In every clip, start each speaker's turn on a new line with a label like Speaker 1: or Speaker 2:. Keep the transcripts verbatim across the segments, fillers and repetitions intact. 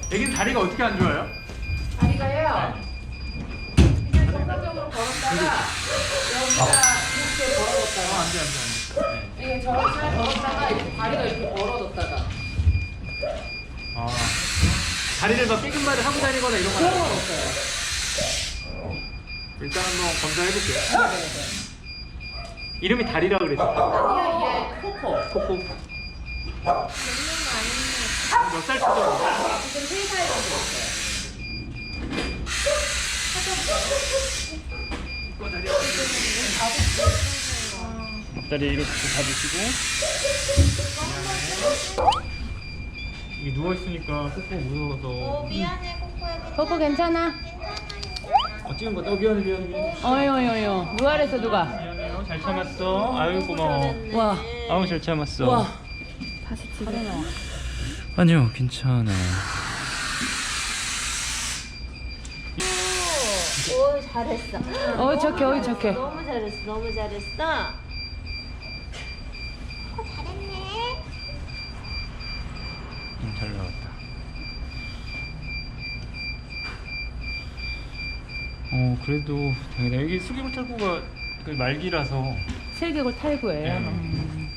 Speaker 1: 애기는 다리가 어떻게 안 좋아요?
Speaker 2: 다리가요. 그냥 정상적으로 걸었다가 여기가 이렇게 벌어졌다가
Speaker 1: 안돼 안돼 안돼. 네.
Speaker 2: 이게 저렇게 잘 걸었다가 이렇게 다리가 이렇게 벌어졌다가
Speaker 1: 아 다리를 막 삐끗발을 하고 다니거나 이런 건
Speaker 2: 그런 건
Speaker 1: 아니에요?
Speaker 2: 없어요.
Speaker 1: 일단 한번 검사해볼게요. 이름이 다리라 그랬어.
Speaker 2: 이게 이게 코코.
Speaker 1: 코코. 몇 살 차죠?
Speaker 2: 지금 세 살 정도 됐어요.
Speaker 1: 앞다리 이렇게 잡으시고. 이게 누워 있으니까 코코 무서워서.
Speaker 3: 어, 미안해, 코코야.
Speaker 4: 코코 괜찮아?
Speaker 1: 어, 찍은 거. 어 미안해 미안해 미안해.
Speaker 4: 어유 어유 어유 누가 그랬어 누가?
Speaker 1: 미안해요. 잘 참았어. 아유 고마워.
Speaker 4: 와.
Speaker 1: 아우 잘 참았어.
Speaker 4: 와. 다시 집에 나와.
Speaker 1: 아니요 괜찮아.
Speaker 3: 오, 잘했어.
Speaker 4: 어 착해 어이 착해.
Speaker 3: 너무 잘했어, 너무 잘했어. 어, 잘했네.
Speaker 1: 음, 잘 나왔다. 어 그래도 당연히 여기 수기물 탈구가 그 말기라서.
Speaker 4: 슬개골 탈구예요.
Speaker 1: 네.
Speaker 4: 음.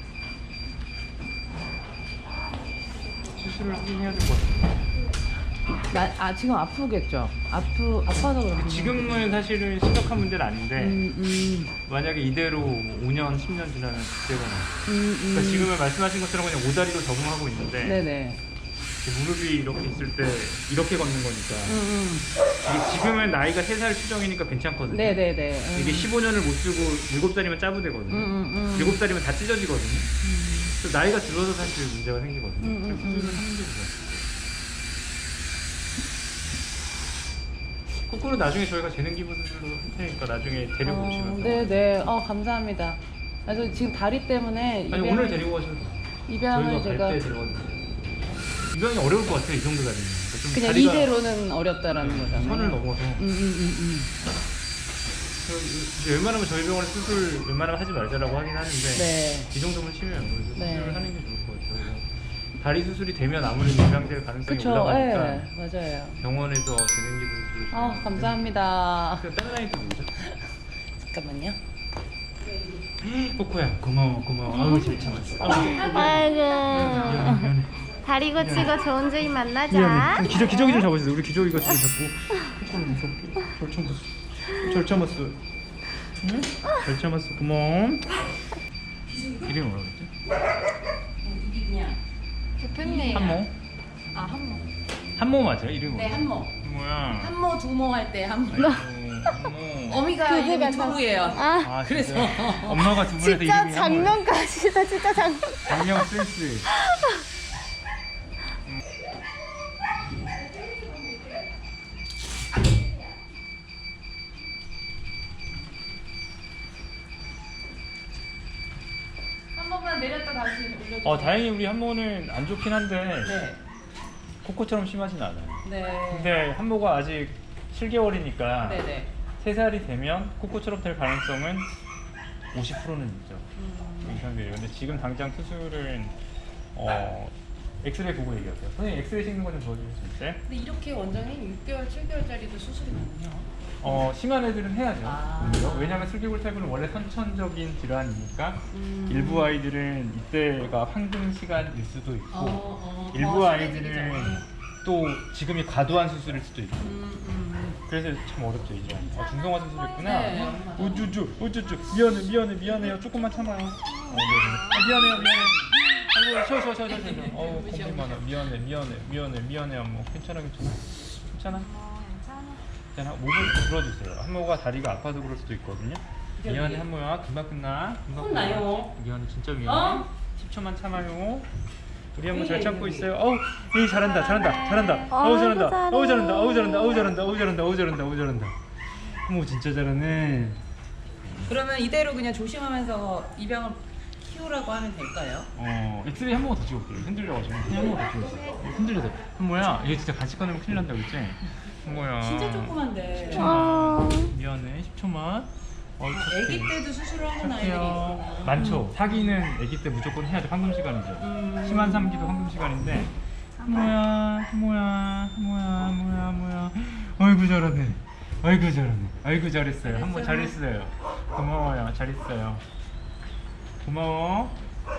Speaker 1: 수술을 하긴 해야 될 것 같아요.
Speaker 4: 나, 아 지금 아프겠죠? 아프 아파서 그런가?
Speaker 1: 지금은 사실은 심각한 문제는 아닌데
Speaker 4: 음, 음,
Speaker 1: 만약에 이대로 오 년, 십 년 지나면 그때가 나.
Speaker 4: 음, 음.
Speaker 1: 그러니까 지금은 말씀하신 것처럼 그냥 오다리로 적응하고 있는데
Speaker 4: 네네.
Speaker 1: 무릎이 이렇게 있을 때 이렇게 걷는 거니까
Speaker 4: 음, 음.
Speaker 1: 이게 지금은 나이가 세 살 추정이니까 괜찮거든요.
Speaker 4: 네네네. 음.
Speaker 1: 이게 십오 년을 못 쓰고 일곱 살이면 짜부되거든요.
Speaker 4: 음, 음, 음.
Speaker 1: 일곱 살이면 다 찢어지거든요. 그래서 나이가 들어서 사실 문제가 생기거든요.
Speaker 4: 음, 음,
Speaker 1: 그래서 수술을 하는 게 좋아요. 거꾸로 나중에 저희가 재능 기부 수술로 할 테니까 나중에 데리고
Speaker 4: 어,
Speaker 1: 오시면.
Speaker 4: 네네. 어 감사합니다. 아저 지금 다리 때문에
Speaker 1: 아니
Speaker 4: 입양을-
Speaker 1: 오늘 데리고 가셔도 돼요.
Speaker 4: 입양을
Speaker 1: 저희가
Speaker 4: 제가
Speaker 1: 갈 때 데려가도 돼요. 입양이 어려울 것 같아요. 이 정도 다리면. 그러니까 좀
Speaker 4: 그냥
Speaker 1: 다리가
Speaker 4: 이대로는 어렵다라는 거잖아요.
Speaker 1: 선을 넘어서.
Speaker 4: 음, 음, 음, 음.
Speaker 1: 이제 웬만하면 저희 병원에 수술 웬만하면 하지 말자라고 하긴 하는데
Speaker 4: 네.
Speaker 1: 이 정도면 심해요. 그래서
Speaker 4: 네.
Speaker 1: 수술을 하는 게 좋을 것 같아요. 그래서 다리 수술이 되면 아무래도 입양될 가능성이
Speaker 4: 그쵸.
Speaker 1: 올라가니까
Speaker 4: 예. 맞아요.
Speaker 1: 병원에서 재능 기부 수술을.
Speaker 4: 아 감사합니다.
Speaker 1: 그 다른 아이도 뭐죠?
Speaker 4: 잠깐만요.
Speaker 1: 코코야 고마워 고마워. 아우 잘 참았어. 아우, 미안해
Speaker 3: 아이고.
Speaker 1: 미안해.
Speaker 3: 다리 고치고 좋은 주인 만나자.
Speaker 1: 미안해. 기저 기저귀 좀 잡아주세요. 우리 기저귀가 지금 자꾸 코코를 무섭게. 절 참았어. 절 참았어. 응? 잘 참았어. 고마워. 이름이 뭐라고 그랬지?
Speaker 2: 대표님.
Speaker 1: 한모?
Speaker 4: 아 한모.
Speaker 1: 한모 맞아요? 이름이
Speaker 4: 네
Speaker 1: 뭐야?
Speaker 4: 한모.
Speaker 1: 뭐야?
Speaker 4: 한모 두모 할 때 한모.
Speaker 1: 아이고, 한모.
Speaker 4: 어미가 이름이 두부예요.
Speaker 3: 아,
Speaker 1: 아,
Speaker 4: 그래서.
Speaker 1: 진짜? 엄마가 두 분에서
Speaker 3: 진짜
Speaker 1: 이름이 한모예요.
Speaker 3: 장면까지다, 진짜 장면.
Speaker 1: 장명 센스.
Speaker 4: 한 번만 내렸다 다시 올려주세요.
Speaker 1: 어 다행히 우리 한모는 안 좋긴 한데
Speaker 4: 네.
Speaker 1: 코코처럼 심하진 않아요.
Speaker 4: 네.
Speaker 1: 근데 한모가 아직 칠 개월이니까
Speaker 4: 네네.
Speaker 1: 세 살이 되면 코코처럼 될 가능성은 오십 퍼센트는 있죠.
Speaker 4: 음.
Speaker 1: 이상들이. 근데 지금 당장 수술은 어 엑스레이 보고 얘기하세요. 선생님 엑스레이 찍는 거 좀 도와주실 수 있어요?
Speaker 4: 근데 이렇게 원장님 육 개월, 칠 개월짜리도 수술이거든요.
Speaker 1: 어 심한 애들은 해야죠.
Speaker 4: 아.
Speaker 1: 오히려. 왜냐하면 슬개골 탈구는 원래 선천적인 질환이니까
Speaker 4: 음.
Speaker 1: 일부 아이들은 이때가 황금 시간일 수도 있고
Speaker 4: 어, 어,
Speaker 1: 일부
Speaker 4: 더
Speaker 1: 아이들은
Speaker 4: 심해지기
Speaker 1: 또 지금이 과도한 수술일 수도 있고.
Speaker 4: 음, 음.
Speaker 1: 그래서 참 어렵죠 이 질환. 아, 중성화 수술했구나.
Speaker 4: 네.
Speaker 1: 우쭈쭈 우쭈쭈 미안해 미안해 미안해요. 조금만 참아요. 어, 네, 네. 아, 미안해요 미안해. 아이고 쉬어 쉬어 쉬어 쉬어 쉬어. 어우 공기 많아. 미안해 미안해 미안해 미안해 한모. 괜찮아 괜찮아. 괜찮아. 괜찮아. 목을 들어주세요. 한모가 다리가 아파서 그럴 수도 있거든요. 미안해 한모야. 금방 끝나. 금방
Speaker 4: 혼나요.
Speaker 1: 끝나. 미안해 진짜 미안해.
Speaker 4: 어?
Speaker 1: 십 초만 참아요. 우리 한모 잘 참고 있어요. 어우, 이 잘한다, 잘한다, 잘한다. 어우 잘한다, 어우 잘한다, 어우 잘한다, 어우 잘한다, 어우 잘한다, 어우 잘한다, 어우 잘한다. 한모 진짜 잘하네.
Speaker 4: 그러면 이대로 그냥 조심하면서 입양을 키우라고 하면 될까요?
Speaker 1: 어, 엑스레이 한 번 더 찍어볼게요. 흔들려가지고 그냥 한 번 더 찍어볼게요. 흔들려서. 한모야, 얘 진짜 같이 꺼내면 큰일 난다, 그랬지? 한모야.
Speaker 4: 진짜 조그만데.
Speaker 1: 십 초만. 미안해, 십 초만. 어,
Speaker 4: 아기 때도 수술을 하는 아이들이
Speaker 1: 착해요.
Speaker 4: 있구나.
Speaker 1: 많죠. 사기는 아기 때 무조건 해야죠. 황금 시간이죠.
Speaker 4: 음.
Speaker 1: 심한 삼기도 황금 시간인데. 한모야, 한모야. 아이고 잘하네. 아이고 잘하네. 아이고 잘했어요. 한번 잘했어요. 고마워요. 잘했어요. 고마워.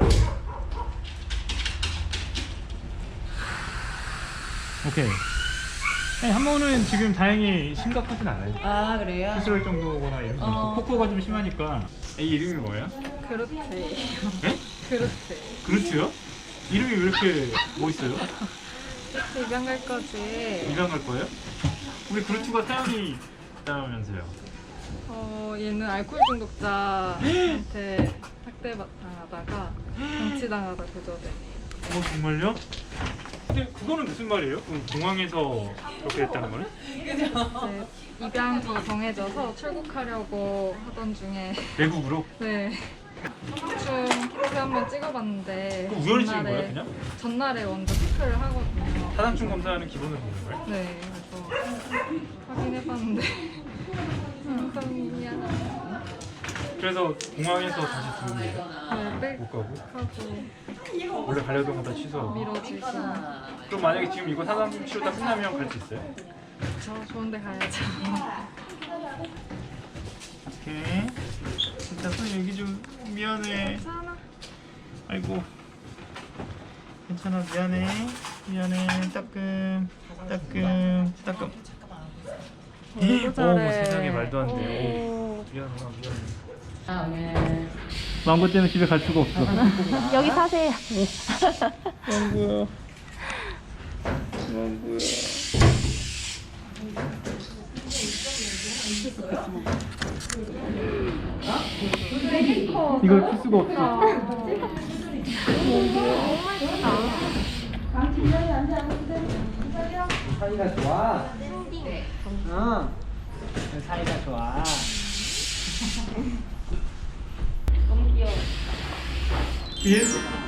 Speaker 1: 오케이. 네, 한 번은 지금 다행히 심각하진 않아요.
Speaker 4: 아 그래요?
Speaker 1: 수술할 정도거나 이런 거.
Speaker 4: 어.
Speaker 1: 코코가 좀 심하니까. 애 이름이 뭐예요?
Speaker 2: 그렇대요.
Speaker 1: 네?
Speaker 2: 그렇대.
Speaker 1: 그렇지요? 이름이 왜 이렇게 멋있어요?
Speaker 2: 입양 갈 거지.
Speaker 1: 입양 갈 거예요? 우리 그루트가 사연이 있다면서요?
Speaker 2: 어, 얘는 알코올 중독자한테 학대당하다가 방치당하다 구조돼.
Speaker 1: 어 정말요? 근데 그거는 무슨 말이에요? 그럼 공항에서 그렇게 됐다는 거는?
Speaker 2: 이제 입양처가 정해져서 출국하려고 하던 중에
Speaker 1: 외국으로?
Speaker 2: 네. 중 키트 한번 찍어봤는데
Speaker 1: 그거 우연히 찍은
Speaker 2: 전날에-
Speaker 1: 거예요 그냥?
Speaker 2: 전날에 먼저 체크를 하거든요.
Speaker 1: 사상충 검사는 기본으로 보는 거예요?
Speaker 2: 네, 그래서 확인해봤는데 좀 미안하다.
Speaker 1: 그래서 공항에서 다시 들어오게요?
Speaker 2: 네,
Speaker 1: 못 가고?
Speaker 2: 빽하고
Speaker 1: 원래 가려던 거 다 취소하고?
Speaker 2: 미뤄지고
Speaker 1: 그럼 만약에 지금 이거 사상 치료 다 끝나면 갈 수 있어요?
Speaker 2: 저 좋은데 가야죠.
Speaker 1: 오케이. 진짜 손 여기 좀 미안해.
Speaker 2: 괜찮아.
Speaker 1: 아이고. 괜찮아 미안해. 미안해. 따끔 따끔 따끔.
Speaker 2: 너무
Speaker 1: 오
Speaker 2: 잘해.
Speaker 1: 세상에 말도 안 돼.
Speaker 2: 오.
Speaker 1: 미안하다 미안해.
Speaker 4: 아 네.
Speaker 1: 망고 때문에 집에 갈 수가 없어.
Speaker 3: 여기 사세요.
Speaker 1: 망고야. 망고야. 이걸 풀 수가 없어.
Speaker 5: 사이가 좋아. 어. 사이가 좋아.
Speaker 1: 예?